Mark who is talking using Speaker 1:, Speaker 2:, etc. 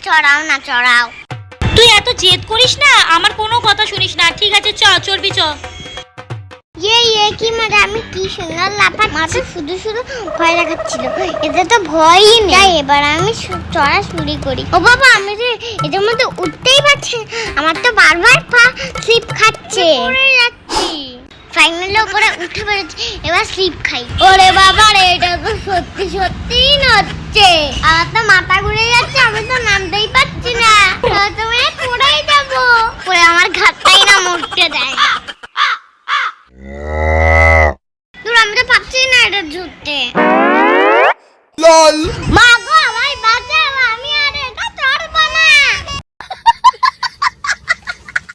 Speaker 1: চড়াও না চড়াও।
Speaker 2: তুই এত জেদ করিস না, আমার কোনো কথা শুনিস না। ঠিক আছে চড়বি চ।
Speaker 1: কি মজা, আমি কি সুন্দর লাফাচ্ছি। মাথা শুধু শুধু ভয় লাগাচ্ছিল, এতে তো ভয়ই নেই। তাই এবার আমি চড়া শুরু করি। ও বাবা, আমি যে এটার মধ্যে উঠতেই পারছি না, আমার তো বারবার পা স্লিপ খাচ্ছে। পড়ে যাচ্ছি, ফাইনালি উপরে উঠে পড়েছি, এবার স্লিপ খাই। ওরে বাবা রে, এটা তো সত্যি সত্যিই নড়ছে। আমার তো মাথা ঘুরে যাচ্ছে, আমি তো নামতেই পারছি না। তুমি পড়েই যাবো। পরে আমার